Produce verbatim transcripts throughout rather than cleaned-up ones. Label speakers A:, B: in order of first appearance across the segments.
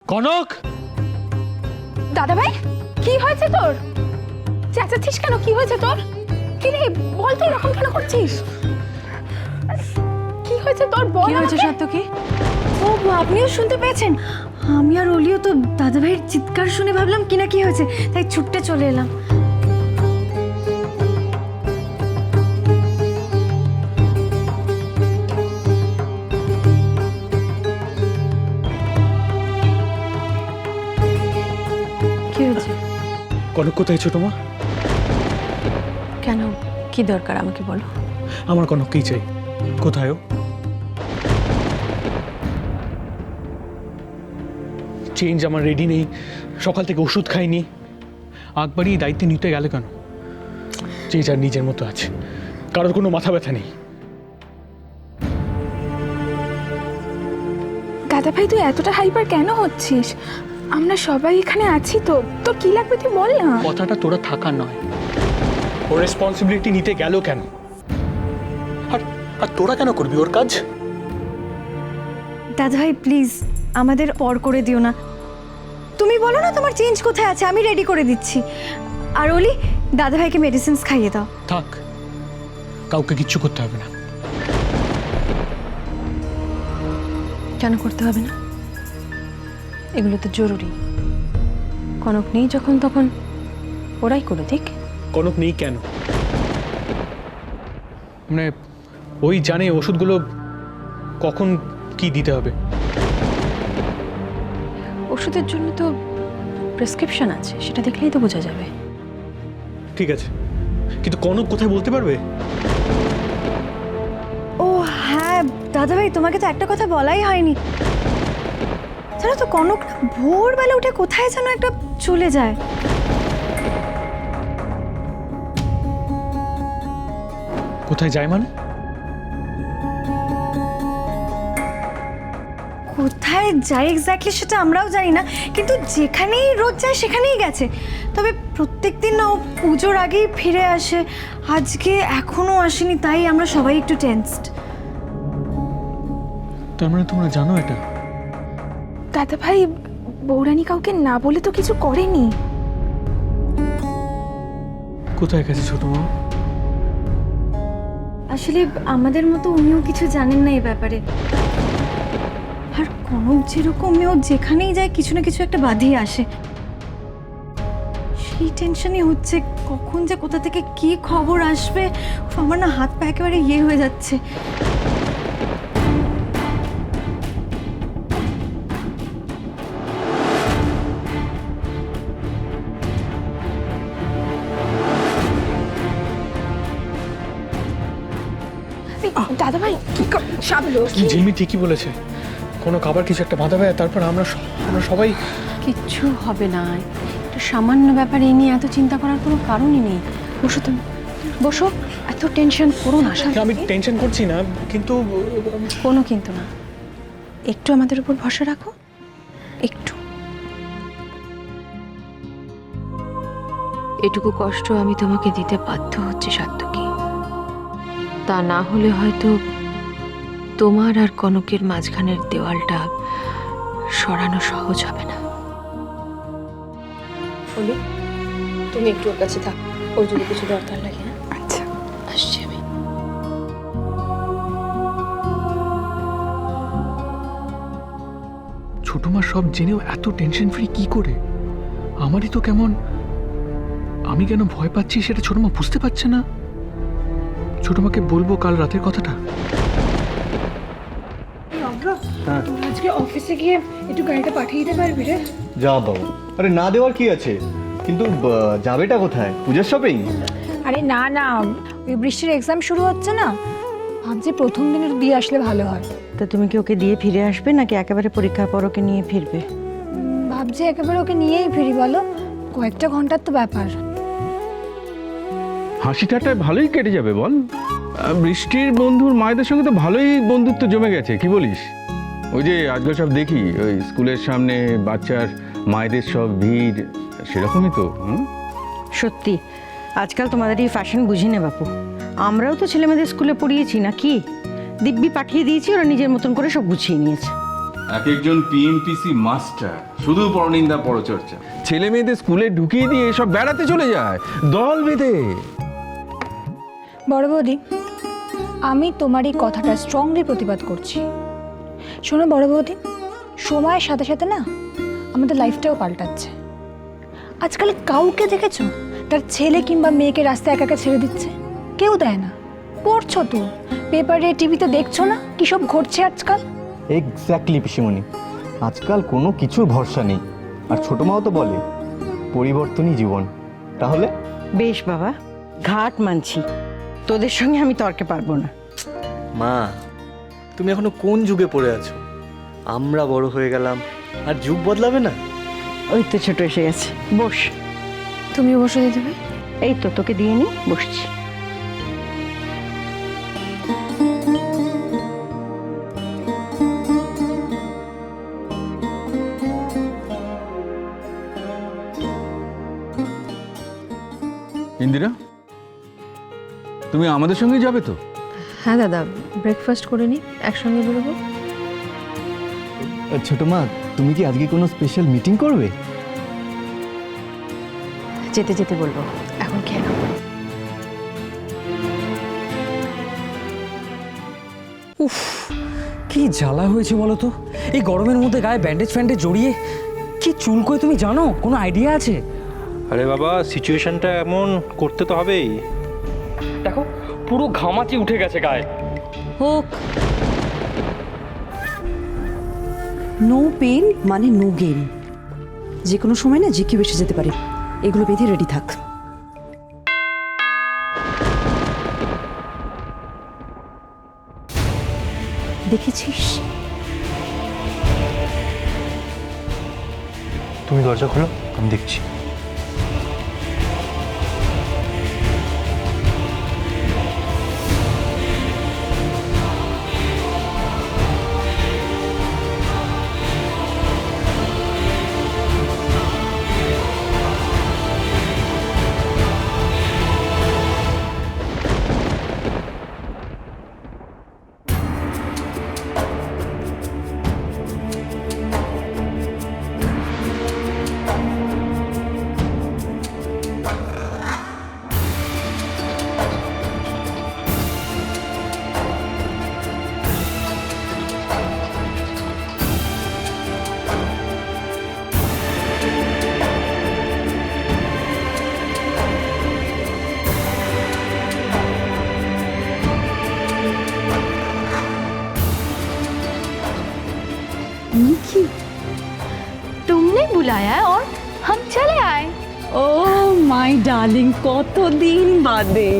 A: কনক,
B: দাদা ভাই কি হয়েছে তোর? চেঁচাচ্ছিস কেন? কি হয়েছে তোর? কি রে বল, তুই এরকম কেন করছিস? কি হয়েছে তোর? বল।
C: কি হয়েছে সাত্তকী?
D: ও আপনিও শুনতে পেয়েছেন? আমি আর অলিও তো দাদা ভাইয়ের চিৎকার শুনে ভাবলাম কি না কি হয়েছে, তাই ছুটতে চলে এলাম।
C: কি হয়েছে?
A: কনক কোথায় ছোট মা?
C: কেন, কি দরকার আমাকে বলো।
A: আমার কনককেই চাই। কোথায় ও? চেঞ্জ আমার রেডি নেই, সকাল থেকে ওষুধ খাইনি। আকবরই দায়িত্ব নিতে গেল কেন? যে যার নিজের মতো আছে, কারোর কোনো মাথা ব্যথা নেই।
B: দাদা ভাই তুই এতটা হাইপার কেন হচ্ছিস? আমরা সবাই এখানে আছি তো, তোর কি লাগবে তুই বল না।
A: কথাটা তোরা থাকার নয়, ওর রেসপন্সিবিলিটি নিতে গেল কেন? আর আর তোরা কেন করবি ওর কাজ?
D: দাদা ভাই প্লিজ আমাদের পর করে দিও না। তুমি বলো না তোমার চেঞ্জ কোথায় আছে, আমি রেডি করে দিচ্ছি। আর অলি, দাদা ভাইকে মেডিসিনস খাইয়ে দাও।
A: থাক, কাউকে কিচ্ছু করতে হবে না।
C: কেন করতে হবে না? এগুলো তো জরুরি। কনক নেই যখন, তখন ওরাই করে দিক।
A: কনক নেই কেন? মানে ওই জানে ওষুধগুলো কখন কি দিতে হবে।
C: ওষুধের জন্য তো প্রেসক্রিপশন আছে, সেটা দেখলেই তো বোঝা যাবে।
A: ঠিক আছে, কিন্তু কনক কোথায় বলতে পারবে?
D: ও হ্যাঁ দাদা ভাই, তোমাকে তো একটা কথা বলাই হয়নি। জানো তো কনক ভোরবেলা উঠে কোথায় যেন একটা চলে যায়।
A: কোথায় যায় মানে?
D: কোথায় যায় এক্স্যাক্টলি সেটা আমরাও জানি না, কিন্তু যেখানেই রোজ যায় সেখানেই গেছে। তবে প্রত্যেকদিন না ও পুজোর আগেই ফিরে আসে, আজকে এখনো আসেনি, তাই আমরা সবাই একটু টেনসড।
A: তার মানে তোমরা জানো এটা?
B: দাদা ভাই বৌরানী কাউকে না বলে তো কিছু করেনি।
A: কোথায় গেছে ছোট মা?
D: আসলে আমাদের মতো উনিও কিছু জানেন না এই ব্যাপারে। আর কনক যেরকম, ও যেখানেই যায় কিছু না কিছু একটা বাঁধিয়ে আসে। সেই টেনশনই হচ্ছে কখন যে কোথা থেকে কি খবর আসবে। উফ, আমার না হাত পা একেবারে ইয়ে হয়ে যাচ্ছে।
B: দাদা ভাই সাবলো
A: ঝিলমি ঠিকই বলেছে, কোনো খাবার কিছু একটা বাধা পায়, তারপর আমরা স- আমরা সবাই।
C: কিচ্ছু হবে না, একটা সামান্য ব্যাপার, এই নিয়ে এত চিন্তা করার কোনো কারণই নেই। বসো তুমি, বসো, এত টেনশন করো না।
A: আমি টেনশন করছি না, কিন্তু
C: কোনো কিন্তু না, একটু আমাদের উপর ভরসা রাখো, একটু। এটুকু কষ্ট আমি তোমাকে দিতে বাধ্য হচ্ছি সাত্তকী, তা না হলে হয়তো তোমার আর কনকের মাঝখানের দেওয়ালটা সরানো সহজ হবে না। বলি, তুমি একটু ওর কাছে থাক, ওর যদি কিছু দরকার লাগে। হ্যাঁ
B: আচ্ছা
C: আসছি আমি।
A: ছোট মা সব জেনেও এত টেনশন ফ্রি কি করে? আমারই তো কেমন, আমি কেন ভয় পাচ্ছি সেটা ছোট মা বুঝতে পারছে না। ছোট মাকে বলবো কাল রাতের কথাটা।
B: আজকে অফিসে গিয়ে একটু গাড়িটা পাঠিয়ে দিতে পারবি রে?
E: যা বাবু, আরে না দেওয়ার কি আছে, কিন্তু ব- যাবেটা কোথায়? পূজার শপিং?
F: আরে না না, ওই বৃষ্টির এক্সাম শুরু হচ্ছে না, ভাবছি প্রথম দিনে দিয়ে আসলে ভালো হয়।
G: তা তুমি কি ওকে দিয়ে ফিরে আসবে নাকি একেবারে পরীক্ষার পর ওকে নিয়ে ফিরবে?
F: উম, ভাবছি একেবারে ওকে নিয়েই ফিরি, বলো কয়েকটা ঘন্টার তো ব্যাপার।
H: হাসি ঠাট্টায় ভালোই কেটে যাবে বল। আহ, বৃষ্টির বন্ধুর মায়েদের সঙ্গে তো ভালোই বন্ধুত্ব জমে গেছে, কি বলিস? ওই যে আজকাল সব দেখি ওই স্কুলের সামনে বাচ্চার মায়েদের সব ভিড়, সেরকমই তো। হুম,
G: সত্যি আজকাল তোমাদের এই ফ্যাশন বুঝি না বাপু। আমরাও তো ছেলেমেয়েদের স্কুলে পড়িয়েছি না কি? দিব্যি পাঠিয়ে দিয়েছি, ওরা নিজের মতন করে সব গুছিয়ে নিয়েছে।
H: এক একজন পিএমপিসি মাস্টার, শুধু পরনিন্দা পরচর্চা। ছেলে মেয়েদের স্কুলে ঢুকিয়ে দিয়ে সব বেড়াতে চলে যায় দল বেঁধে।
F: বড় বৌদি, আমি তোমার এই কথাটা স্ট্রংলি প্রতিবাদ করছি। শোনো বড় বৌদি, সময়ের সাথে সাথে না আমাদের লাইফটাও পাল্টাচ্ছে। আজকাল কাউকে দেখেছো তার ছেলে কিংবা মেয়েকে রাস্তায় একা একা ছেড়ে দিচ্ছে? কেউ দেয় না। পড়ছো তো পেপারে, টিভিতে দেখছো না কী সব ঘটছে আজকাল?
E: এক্স্যাক্টলি পিসিমণি, আজকাল কোনো কিছুর ভরসা নেই। আর ছোট মাও তো বলে পরিবর্তনই জীবন। তাহলে
G: বেশ বাবা, ঘাট মানছি, তোদের সঙ্গে আমি তর্কে পারবো না।
E: মা, তুমি এখনো কোন যুগে পড়ে আছো? আমরা বড় হয়ে গেলাম, আর যুগ বদলাবে না।
G: ওই তো ছোট এসে গেছে, বস।
C: তুমিও বসে দিতে ভাই।
G: এই তো তোকে দিয়ে নি, বসছি।
H: ইন্দিরা, তুমি আমাদের সঙ্গে যাবে তো?
C: হ্যাঁ দাদা, ব্রেকফাস্ট করে নি, একসঙ্গে বেরোবো।
E: ছোট মা, তুমি কি আজকে কোনো স্পেশাল মিটিং করবে?
C: যেতে যেতে বলবো, এখন খেয়ে নাও।
I: উফ, কি জ্বালা হয়েছে বলো তো, এই গরমের মধ্যে গায়ে ব্যান্ডেজ ফ্যান্ডেজ জড়িয়ে। কি চুলকোয় তুমি জানো? কোনো আইডিয়া আছে?
J: আরে বাবা, সিচুয়েশনটা এমন, করতে তো হবেই।
I: দেখো পুরো ঘামাচি উঠে গেছে গায়ে।
K: হোক, নো পেন মানে নো গেম। যে কোনো সময় না যে কেউ এসে যেতে পারে, এগুলো বেঁধে রেডি থাক। দেখেছিস?
J: তুমি দরজা খোলো, আমি দেখছি।
B: निकी, तुमने बुलाया और हम चले आए।
K: ও মাই ডার্লিং, কতদিন বাদে।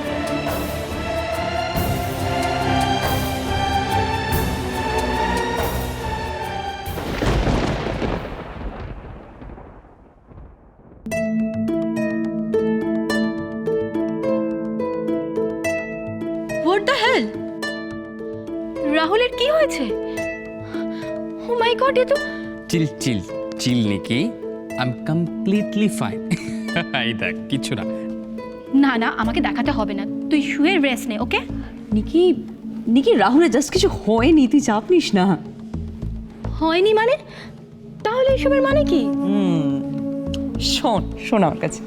B: What the hell? রাহুলের কি হয়েছে? ও মাই গড, এ তো
L: chill chill chill Nikki, I am completely fine. এই দেখ, কিছু না।
B: না না, আমাকে দেখাতে হবে না, তুই শুয়ে রেস্ট নে, ওকে?
K: নিকি, নিকি রাহুলের জাস্ট কিছু হয়নি, তুই চাপ নিস না।
B: হয়নি মানে? তাহলে এসবের মানে কি?
K: শোন শোন আমার কাছে,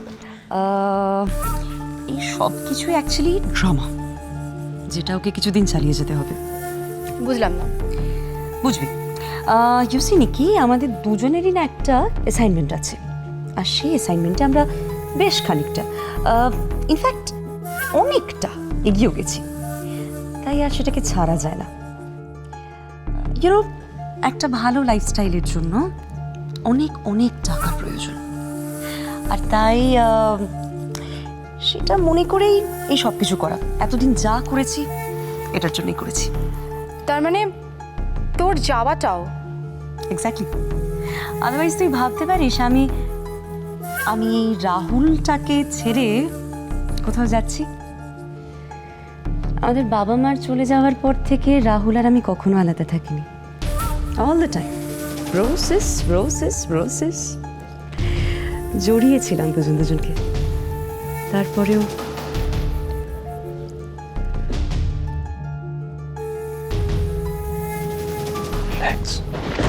K: এই সব কিছু অ্যাকচুয়ালি ড্রামা, যেটা ওকে কিছুদিন চালিয়ে যেতে হবে।
B: বুঝলাম না।
K: বুঝবি, ইউসি নিকি, আমাদের দুজনেরই না একটা অ্যাসাইনমেন্ট আছে, আর সেই অ্যাসাইনমেন্টে আমরা বেশ খানিকটা, ইনফ্যাক্ট অনেকটা এগিয়েও গেছি, তাই আর সেটাকে ছাড়া যায় না। ইউনো, একটা ভালো লাইফস্টাইলের জন্য অনেক অনেক টাকা প্রয়োজন, আর তাই সেটা মনে করেই এই সব কিছু করা। এতদিন যা করেছি এটার জন্যই করেছি।
B: তার মানে তোর যাওয়াটাও?
K: এক্স্যাক্টলি, আদারওয়াইজ তুই ভাবতে পারিস আমি আমি এই রাহুলটাকে ছেড়ে কোথাও যাচ্ছি? আমাদের বাবা মার চলে যাওয়ার পর থেকে রাহুল আর আমি কখনো আলাদা থাকিনি, all the time roses roses roses জড়িয়েছিলাম দুজন দুজনকে। তারপরেও
J: রিল্যাক্স।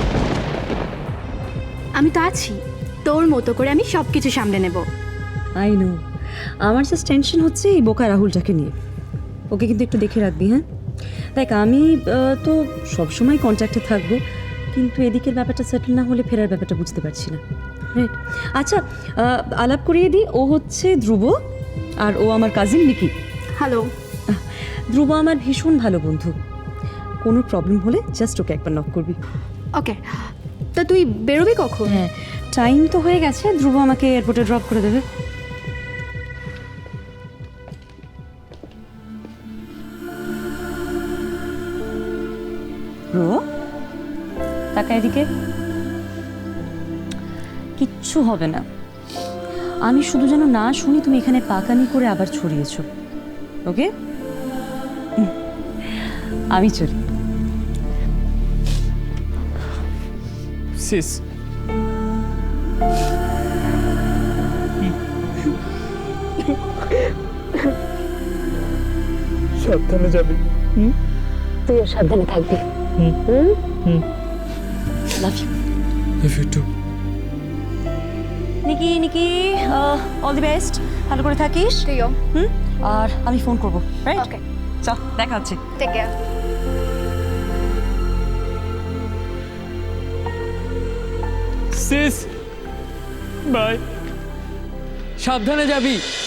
B: আমি তো আছি, তোর মতো করে আমি সব কিছু সামলে নেব।
K: আই নো, আমার জাস্ট টেনশন হচ্ছে এই বোকা রাহুলটাকে নিয়ে। ওকে কিন্তু একটু দেখে রাখবি, হ্যাঁ? দেখ আমি আহ, তো সবসময় কন্ট্যাক্টে থাকবো, কিন্তু এদিকের ব্যাপারটা সেটেল না হলে ফেরার ব্যাপারটা বুঝতে পারছি না। রাইট, আচ্ছা আহ, আলাপ করিয়ে দিই, ও হচ্ছে ধ্রুব আর ও আমার কাজিন নিকি।
B: হ্যালো।
K: ধ্রুব আমার ভীষণ ভালো বন্ধু, কোনো প্রবলেম হলে জাস্ট ওকে একবার নক করবি।
B: ওকে, তা তুই বেরোবি কখন?
K: হ্যাঁ, টাইম তো হয়ে গেছে, ধ্রুব আমাকে এয়ারপোর্টে ড্রপ করে দেবে। ধ্রুব, টাকা এদিকে। কিচ্ছু হবে না, আমি শুধু যেন না শুনি তুমি এখানে পাকানি করে আবার ছড়িয়েছো। ওকে, আমি চলি।
L: সিস,
A: সাবধানে যাবি।
K: তুইও সাবধানে থাকবি। Love you.
A: Love you too.
K: Nikki Nikki, all the best, ভালো করে থাকিস।
B: তুইও।
K: হুম, আর আমি ফোন করবো, রাইট?
B: ওকে,
K: চল, দেখা হচ্ছে।
B: Take care.
I: সিস বাই, সাবধানে যাবি।